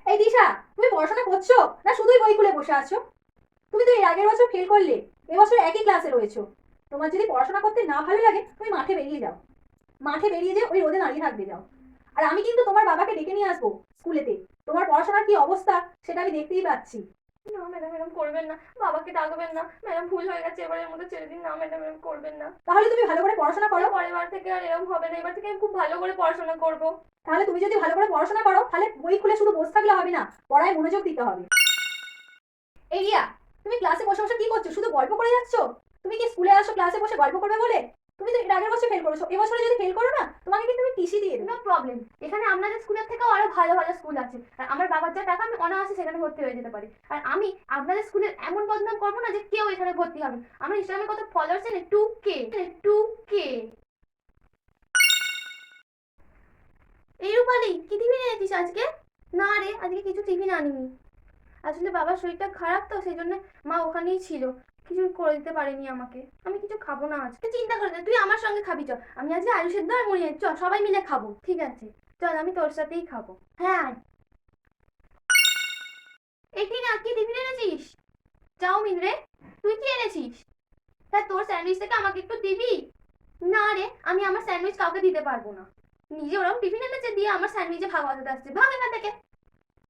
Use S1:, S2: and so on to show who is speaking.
S1: এই দিশা, তুমি পড়াশোনা করছো না শুধুই বই খুলে বসে আছো? তুমি তো এর আগের বছর ফেল করলে, এবছর একই ক্লাসে রয়েছো। তোমার যদি পড়াশোনা করতে না ভালো লাগে তুমি মাঠে বেরিয়ে যাও। মাঠে বেরিয়ে যে ওই রোদে দাঁড়িয়ে থাকবে যাও। আর আমি কিন্তু তোমার বাবাকে ডেকে নিয়ে আসবো স্কুলেতে। তোমার পড়াশোনার কি অবস্থা সেটা আমি দেখতেই পাচ্ছি।
S2: না ম্যাডাম, এরকম করবেন না। বাবাকে ডাকবেন না ম্যাডাম, ভুল হয়ে গেছে, এবারের মতো ছেড়ে দিন না ম্যাডাম, এরকম করবেন না।
S1: তাহলে তুমি ভালো করে পড়াশোনা করো।
S2: এর পরের বার থেকে আর এরকম হবে না, এবার থেকে আমি খুব ভালো করে পড়াশোনা করব।
S1: তাহলে তুমি যদি ভালো করে পড়াশোনা করো তাহলে বই খুলে শুধু বসে থাকলে হবে না, পড়ায় মনোযোগ দিতে হবে। এই রিয়া, তুমি ক্লাসে বসে বসে কি করছো? শুধু গল্প করে যাচ্ছ। তুমি কি স্কুলে আসো ক্লাসে বসে গল্প করবে বলে? তুমি তো এর আগের বছর ফেল করেছো, এবছরে যদি ফেল করো না তোমাকে কিন্তু আমি টিসি দিয়ে
S2: নো
S1: দেবো।
S2: প্রবলেম, এখানে আপনাদের স্কুলের থেকেও আরো ভালো ভালো স্কুল আছে, আর আমার বাবার যা টাকা আমি অনায়াসে সেখানে ভর্তি হয়ে যেতে পারি। আর আমি আপনাদের স্কুলের এমন বদনাম করবো না যে কেউ এখানে ভর্তি হবে। আমার ইনস্টাগ্রামে কত ফলোয়ার্স আছে, 2K 2K। এই রূপালি, কি টিফিন এনেছিস আজকে? না রে, আজকে কিছু টিফিন আনিনি। আসলে বাবার শরীরটা খারাপ তো সেই জন্য মা ওখানেই ছিল, কিছু করে দিতে পারেনি আমাকে। আমি কিছু খাবো না আজকে, চিন্তা করে না, তুই আমার সঙ্গে খাবি। চ, আমি আজকে আলু সেদ্ধ আর মুড়ি চ সবাই মিলে খাবো। ঠিক আছে, চল আমি তোর সাথেই খাবো। হ্যাঁ আয়। এটি না, কি টিফিন এনেছিস? চাউমিন রে। তুই কি এনেছিস? তা তোর স্যান্ডউইচ থেকে আমাকে একটু দিবি? না রে, আমি আমার স্যান্ডউইচ কাউকে দিতে পারবো না। নিজে ওরকম টিফিন এনেছে দিয়ে আমার স্যান্ডউইচে ভাগ বাজাতে আসছে, ভাগ এখান থেকে।